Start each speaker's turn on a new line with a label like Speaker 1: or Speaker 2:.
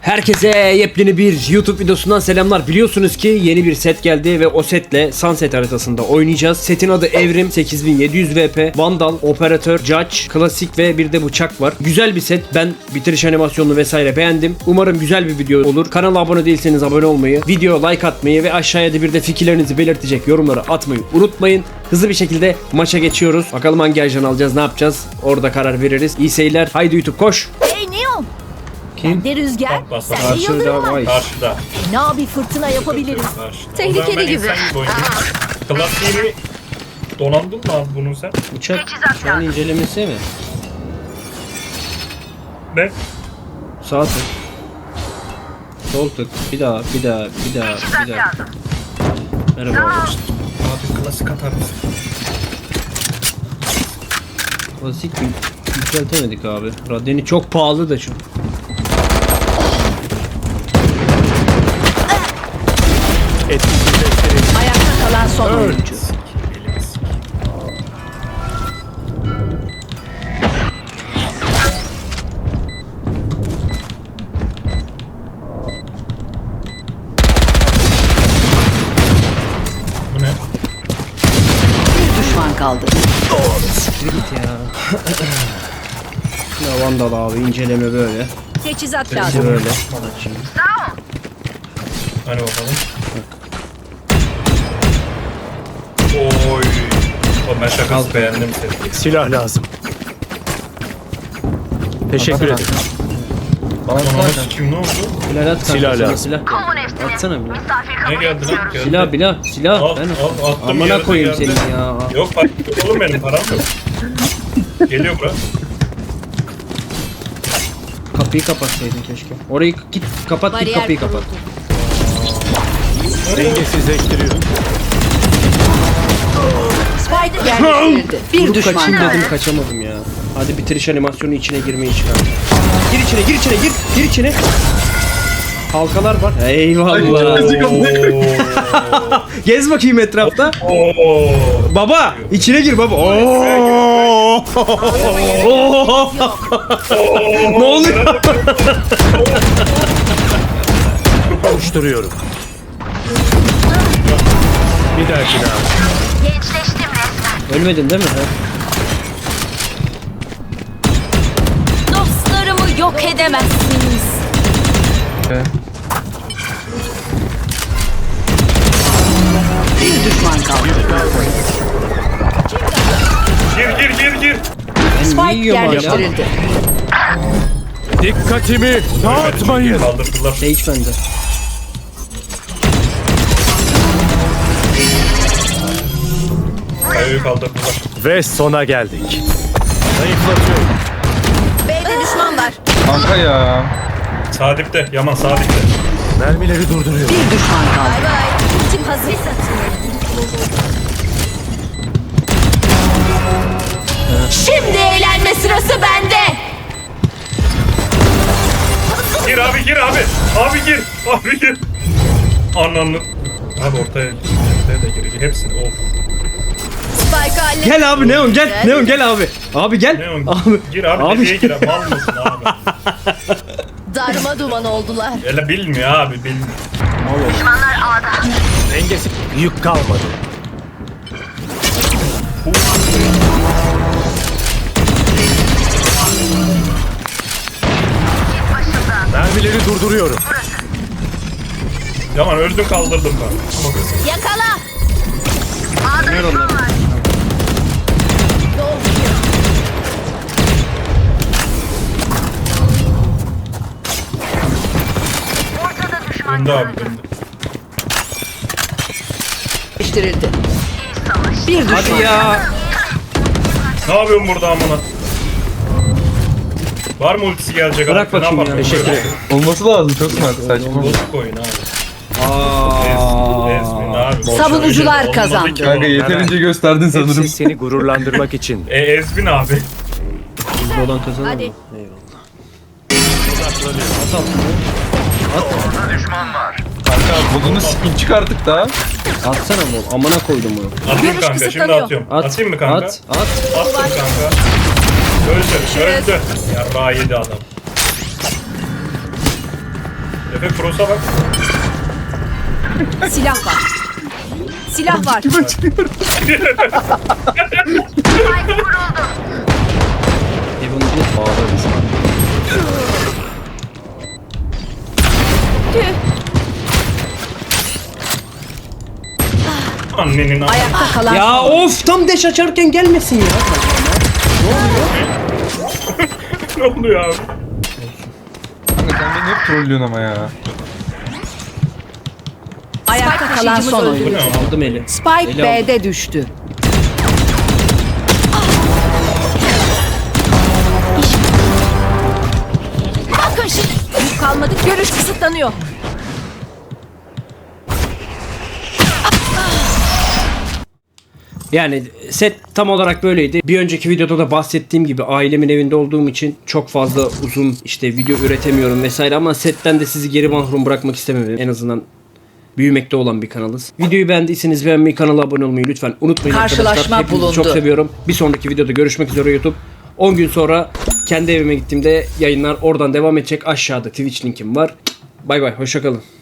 Speaker 1: Herkese yepyeni bir YouTube videosundan selamlar. Biliyorsunuz ki yeni bir set geldi ve o setle Sunset haritasında oynayacağız. Setin adı Evrim 8700 VP, Vandal, Operatör, Judge, Klasik ve bir de bıçak var. Güzel bir set. Ben bitiriş animasyonunu vesaire beğendim. Umarım güzel bir video olur. Kanala abone değilseniz abone olmayı, videoya like atmayı ve aşağıya da bir de fikirlerinizi belirtecek yorumları atmayı unutmayın. Hızlı bir şekilde maça geçiyoruz. Bakalım hangi ajan alacağız, ne yapacağız? Orada karar veririz. İyi seyirler. Haydi YouTube koş.
Speaker 2: Hey Neon!
Speaker 1: Kim?
Speaker 2: De rüzgar,
Speaker 3: Bas, bas, bas.
Speaker 2: sen de yıldırım var.
Speaker 1: Vay.
Speaker 3: Karşıda.
Speaker 2: Fena bir fırtına yapabiliriz.
Speaker 3: Karşıda.
Speaker 2: Tehlikeli
Speaker 3: O zaman ben
Speaker 2: gibi.
Speaker 3: insan oynayayım. Klasiğini donandın mı abi bunun sen?
Speaker 1: Uçak şu an incelemesi mi?
Speaker 3: Ne?
Speaker 1: Sağ tık. Sol tık. Bir daha. Merhaba abi.
Speaker 3: Abi klasik atar mısın?
Speaker 1: Klasik yükseltemedik abi. Radyeni çok pahalı da şu.
Speaker 2: Ayakta kalan son oyuncu.
Speaker 3: Elimiz. Bu ne?
Speaker 2: Bir düşman kaldı.
Speaker 1: Siktir git ya. Ya Vandal abi inceleme böyle.
Speaker 2: Teçhizat
Speaker 1: Bir
Speaker 2: lazım.
Speaker 1: de böyle.
Speaker 3: Hani bakalım. Oy. O ben şakası beğendim seni.
Speaker 4: Silah lazım. Teşekkür ederim.
Speaker 3: Bana kim ne oldu?
Speaker 1: Silah at kanka,
Speaker 4: Silah
Speaker 1: sana
Speaker 4: lazım.
Speaker 1: silah. Atsana bir.
Speaker 3: Ne geldi lan? Geldi.
Speaker 1: Silah.
Speaker 3: Al,
Speaker 1: Ben
Speaker 3: al, attım,
Speaker 1: amına
Speaker 3: yerde
Speaker 1: koyayım
Speaker 3: geldi.
Speaker 1: seni ya.
Speaker 3: Yok bak oğlum benim param yok. Geliyor bura.
Speaker 1: Kapıyı kapatsaydın keşke. Orayı git kapat, git
Speaker 2: Bariyer
Speaker 1: kapıyı kapat.
Speaker 2: kuruldu.
Speaker 4: Dengesizleştiriyor.
Speaker 2: Spike yerleştirildi. Bir
Speaker 1: Vurup
Speaker 2: düşman
Speaker 1: kaçayım
Speaker 2: kaldı.
Speaker 1: dedim, kaçamadım ya. Hadi bitiriş animasyonu içine girmeyi çıkar. Gir içine. Halkalar var. Eyvallah. Gez bakayım etrafta.
Speaker 3: Oo.
Speaker 1: Baba içine gir baba. Oo. Ne oluyor?
Speaker 4: Kavuşturuyorum. Bir dahakine abi.
Speaker 1: Ölmedin değil mi? Ha?
Speaker 2: Dostlarımı yok edemezsiniz. Bir düşman kaldı.
Speaker 3: Gir.
Speaker 1: Ben
Speaker 2: Spike
Speaker 1: niye yiyorum hala?
Speaker 2: yerleştirildi.
Speaker 4: Dikkatimi dağıtmayın.
Speaker 3: Kaldırdılar.
Speaker 1: Sage bende.
Speaker 3: Kayayı kaldırdılar.
Speaker 4: Ve sona geldik. Zayıflatıyorum.
Speaker 2: B'de düşman var.
Speaker 5: Kanka ya.
Speaker 3: Sağ dipte. Yaman sağ dipte.
Speaker 4: Mermileri durduruyorum.
Speaker 2: Bir düşman kaldı. Bay bay. Ultim hazır. Şimdi eğlenme sırası bende.
Speaker 3: Gir abi. Abi gir. Ananı. Abi ortaya da girecek. Hepsini. Of.
Speaker 2: Spike halle.
Speaker 1: Gel abi Neon gel. Neon gel abi. Abi gel.
Speaker 3: Ne o?
Speaker 1: Abi.
Speaker 3: Gir abi. Nereye gir abi? Mal mısın abi?
Speaker 2: Darma duman oldular.
Speaker 3: Öyle bilmiyor abi. Bilmiyor.
Speaker 4: Dengesiz. Yük kalmadı. Mermileri durduruyorum.
Speaker 3: Yaman öldüm kaldırdım ben.
Speaker 2: Yakala.
Speaker 1: Ver onları.
Speaker 3: Döndü abi döndü.
Speaker 2: Yerleştirildi. Bir düşman.
Speaker 1: Hadi ya.
Speaker 3: Ne yapıyorsun burada amına? Var mı ultisi gelecek
Speaker 1: Bırak
Speaker 3: abi? Ne
Speaker 1: bakayım
Speaker 3: yapalım?
Speaker 1: ya.
Speaker 4: Teşekkür ederim.
Speaker 5: Olması lazım çok smart saçma.
Speaker 3: Bozuk oyun abi. Ezmin abi. boş
Speaker 2: Savunucular
Speaker 3: oyun.
Speaker 2: kazandı.
Speaker 3: Olmadı ki
Speaker 5: Kanka
Speaker 3: o.
Speaker 5: yeterince gösterdin sanırım.
Speaker 4: Hepsi seni gururlandırmak için.
Speaker 3: Ezmin abi.
Speaker 1: Hızlı olan kazanır
Speaker 2: Hadi.
Speaker 1: mı? Eyvallah. At altını.
Speaker 5: Kanka bulduğunu spin çık artık da.
Speaker 1: Atsana bol. Amına koydum bunu.
Speaker 3: Atayım
Speaker 2: Görüş
Speaker 3: kanka şimdi
Speaker 2: kısıtlanıyor.
Speaker 3: atıyorum.
Speaker 1: At.
Speaker 3: Atayım mı kanka?
Speaker 1: At.
Speaker 3: Attım kanka. Öldü. Yarrağı yedi adam. Efe Cross'a bak.
Speaker 2: Silah var. Silah var.
Speaker 1: Evan bir bağlarız.
Speaker 3: Annenin a**.
Speaker 2: Ayakta kalan
Speaker 1: Ya of tam deş açarken gelmesin ya.
Speaker 3: Ne oluyor abi?
Speaker 5: Kanka sen beni hep trollüyorsun ama ya.
Speaker 2: ayakta kalan son
Speaker 3: Bu
Speaker 2: oyuncu.
Speaker 3: ne abi?
Speaker 1: Aldım eli.
Speaker 2: Spike
Speaker 1: Eli aldım.
Speaker 2: B'de düştü. Bakın şimdi. Yük kalmadı. Görüş kısıtlanıyor.
Speaker 1: Yani set tam olarak böyleydi. Bir önceki videoda da bahsettiğim gibi ailemin evinde olduğum için çok fazla uzun işte video üretemiyorum vesaire ama setten de sizi geri mahrum bırakmak istemedim. En azından büyümekte olan bir kanalız. Videoyu beğendiyseniz beğenmeyi, kanala abone olmayı lütfen unutmayın
Speaker 2: Karşılaşma
Speaker 1: arkadaşlar. Hepinizi
Speaker 2: bulundu.
Speaker 1: çok seviyorum. Bir sonraki videoda görüşmek üzere YouTube. 10 gün sonra kendi evime gittiğimde yayınlar oradan devam edecek. Aşağıda Twitch linkim var. Bay bay, hoşça kalın.